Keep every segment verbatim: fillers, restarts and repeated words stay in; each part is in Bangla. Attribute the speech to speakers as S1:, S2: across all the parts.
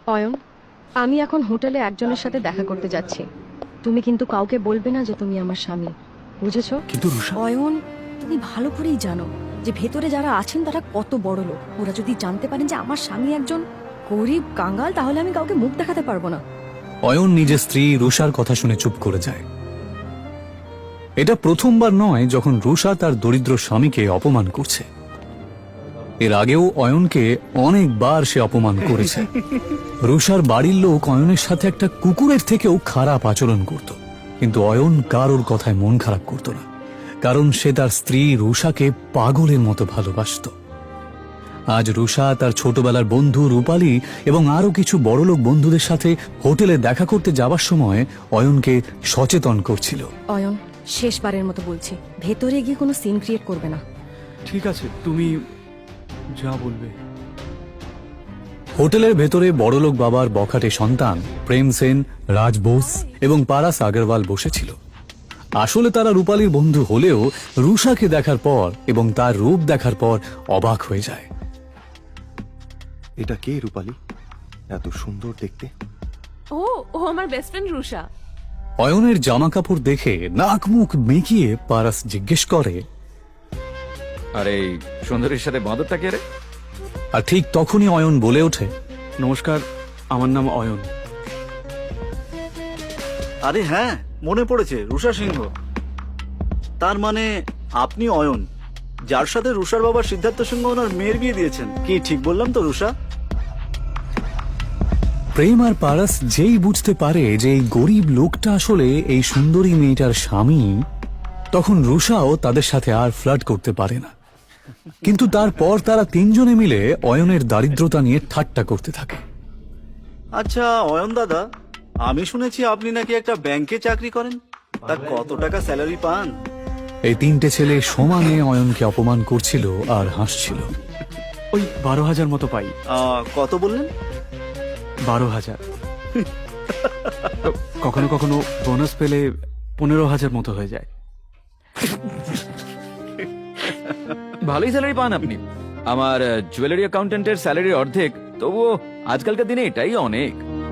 S1: অয়ন, আমি এখন হোটেলে একজনের সাথে দেখা করতে যাচ্ছি। তুমি কিন্তু কাউকে বলবে না যে তুমি আমার স্বামী, বুঝেছো?
S2: কিন্তু রুষা,
S1: অয়ন, তুমি ভালো করেই জানো যে ভেতরে যারা আছেন তারা কত বড় লোক। ওরা যদি জানতে পারেন যে আমার স্বামী একজন গরিব কাঙ্গাল, তাহলে আমি কাউকে মুখ দেখাতে পারবো না।
S2: অয়ন নিজের স্ত্রী রুষার কথা শুনে চুপ করে যায়। এটা প্রথমবার নয় যখন রুষা তার দরিদ্র স্বামীকে অপমান করছে। এর আগেও অয়নকে অনেকবার সে অপমান করেছে। রুষার বাড়ির লোক অয়নের সাথে একটা কুকুরের থেকেও খারাপ আচরণ করত, কিন্তু অয়ন কারোর কথায় মন খারাপ করত না, কারণ সে তার স্ত্রী রুষাকে পাগলের মতো ভালোবাসত। আজ রুষা তার ছোটবেলার বন্ধু রূপালী এবং আরো কিছু বড়লোক বন্ধুদের সাথে হোটেলে দেখা করতে যাবার সময় অয়নকে সচেতন করছিল।
S1: অয়ন, শেষবারের মতো বলছি, ভেতরে গিয়ে কোনো সিন ক্রিয়েট করবে না।
S3: ঠিক আছে, তুমি যা বলবে।
S2: হোটেলের ভেতরে বড়লোক বাবার বখাটে সন্তান প্রেম সেন, রাজ বোস এবং পারাস আগরওয়াল বসেছিল। আসলে তারা রূপালীর বন্ধু হলেও রুষাকে দেখার পর এবং তার রূপ দেখার পর অবাক হয়ে যায়।
S4: এটা কে রূপালী? এত সুন্দর দেখতে।
S5: ও ও আমার বেস্ট ফ্রেন্ড রুষা।
S2: অয়নের জামা কাপড় দেখে নাক মুখ মেকিয়ে পারাস জিজ্ঞেস করে,
S6: আরে এই সুন্দরীর সাথে বাঁদরটা কে রে?
S2: আর ঠিক তখনই অয়ন বলে ওঠে,
S3: নমস্কার, আমার নাম অয়ন।
S7: আরে হ্যাঁ, মনে পড়েছে, রুষা সিংহ। তার মানে আপনি অয়ন, যার সাথে রুষার বাবা সিদ্ধার্থ সিংহ ওনার মেয়ের বিয়ে দিয়েছেন। কি ঠিক বললাম তো রুষা?
S2: প্রেম আর পারাস যেই বুঝতে পারে যে এই গরিব লোকটা আসলে এই সুন্দরী মেয়েটার স্বামী, তখন রুষাও তাদের সাথে আর ফ্লার্ট করতে পারে না। কিন্তু তারপর তারা তিনজনে মিলে অয়নের দারিদ্রতা নিয়ে ঠাট্টা করতে থাকে।
S7: আচ্ছা অয়ন দাদা, আমি শুনেছি আপনি নাকি একটা ব্যাংকে চাকরি করেন। তা কত টাকা স্যালারি পান?
S2: এই তিনটে ছেলে সমানে অয়নকে অপমান করছিল আর হাসছিল।
S3: ওই বারো হাজার মতো পাই।
S7: আহ, কত বললেন?
S3: বারো হাজার। কখনো কখনো বোনাস পেলে পনেরো হাজার মতো হয়ে যায়।
S6: ভালোই স্যালারি পান আপনি। আমার জুয়েলারি অ্যাকাউন্টেন্টের স্যালারির অর্ধেক, তবুও আজকালকার দিনে এটাই অনেক।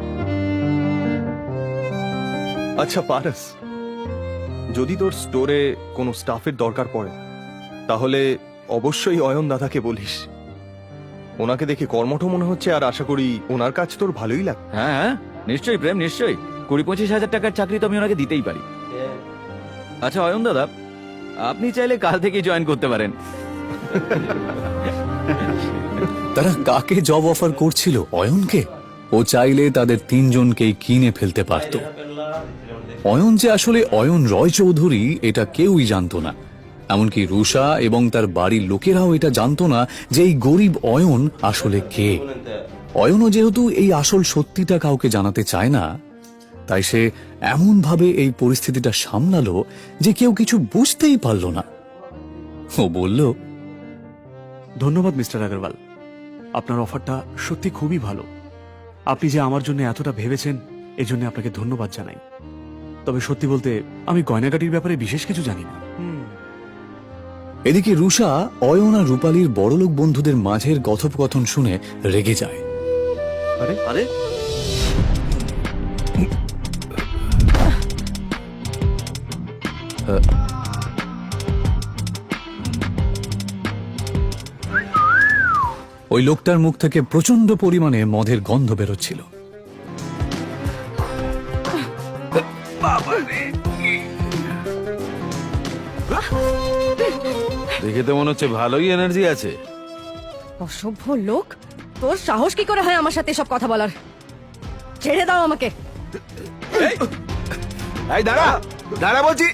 S4: আচ্ছা পারাস, যদি তোর স্টোরে কোনো স্টাফের দরকার পড়ে তাহলে অবশ্যই অয়ন দাদাকে বলিস। ওনাকে দেখে কর্মঠ মনে হচ্ছে, আর আশা করি ওনার কাজ তোর ভালোই লাগবে।
S6: হ্যাঁ হ্যাঁ, নিশ্চয়ই প্রেম, নিশ্চয়ই। কুড়ি পঁচিশ হাজার টাকার চাকরি তো আমি ওনাকে দিতেই পারি। আচ্ছা অয়ন দাদা, আপনি চাইলে কাল থেকেই জয়েন করতে পারেন।
S2: তারা কাকে জব অফার করছিল? অয়নকে। ও চাইলে তাদের তিনজনকেই কিনে ফেলতে পারত। অয়ন যে আসলে অয়ন রয় চৌধুরী এটা কেউই জানতো না, এমনকি রুষা এবং তার বাড়ির লোকেরাও এটা জানতো না যে এই গরিব অয়ন আসলে কে। অয়নও যেহেতু এই আসল সত্যিটা কাউকে জানাতে চায় না, তাই সে এমন ভাবে এই পরিস্থিতিটা সামলালো যে কেউ কিছু বুঝতেই পারল না। ও বলল,
S3: ধন্যবাদ মিস্টার আগরওয়াল, আপনার অফারটা সত্যি খুবই ভালো। আপনি যে আমার জন্য এতটা ভেবেছেন, এজন্য আপনাকে ধন্যবাদ জানাই। তবে সত্যি বলতে আমি গয়নাগাটির ব্যাপারে বিশেষ কিছু জানি না।
S2: এদিকে রুষা অয়ন আর রূপালীর বড়লোক বন্ধুদের মাঝের কথোপকথন শুনে রেগে যায়।
S7: আরে আরে
S2: ওই লোকটার মুখ থেকে প্রচন্ড পরিমাণে মদের গন্ধ বেরোচ্ছিল।
S6: দেখে তো মনে হচ্ছে ভালোই এনার্জি আছে।
S1: অসভ্য লোক, তোর সাহস কি করে হয় আমার সাথে সব কথা বলার? ছেড়ে দাও আমাকে।
S6: এই দাঁড়া দাঁড়া বলছি।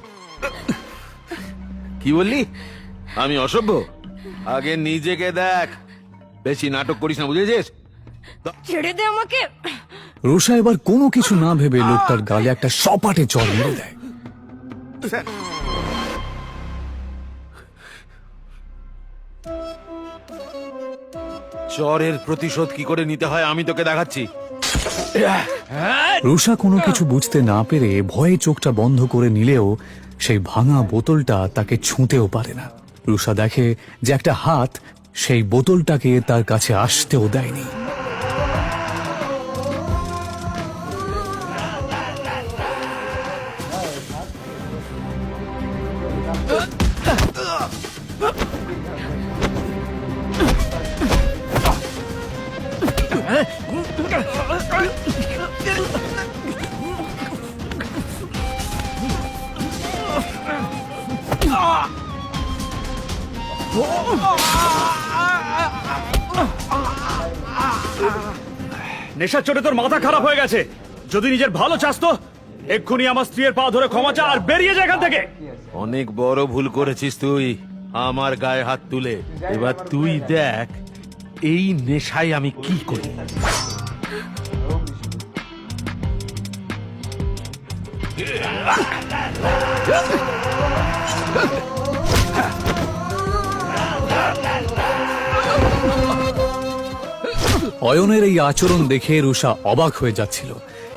S6: কি বললি? আমি অসভ্য? আগে নিজেকে দেখ, বেশি নাটক করিস না, বুঝেছিস?
S1: ছেড়ে দে আমাকে।
S2: রুষা এবার কোনো কিছু না ভেবে লোকটার গালে একটা সপাটে চড় মেরে দেয়।
S6: চরের প্রতিশোধ কি করে নিতে হয় আমি তোকে দেখাচ্ছি।
S2: রুষা কোনো কিছু বুঝতে না পেরে ভয়ে চোখটা বন্ধ করে নিলেও সেই ভাঙা বোতলটা তাকে ছুঁতেও পারে না। রুষা দেখে যে একটা হাত সেই বোতলটাকে তার কাছে আসতেও দেয়নি।
S3: নেশার চোটে তোর মাথা খারাপ হয়ে গেছে। যদি নিজের ভালো চাস তো এক্ষুনি আমার স্ত্রীর পা ধরে ক্ষমা চা আর বেরিয়ে যা এখান থেকে।
S8: অনেক বড় ভুল করেছিস তুই আমার গায়ে হাত তুলে। এবার তুই দেখ এই নেশায় আমি কি করি।
S2: অয়নের এই আচরণ দেখে রুষা অবাক হয়ে যাচ্ছিল।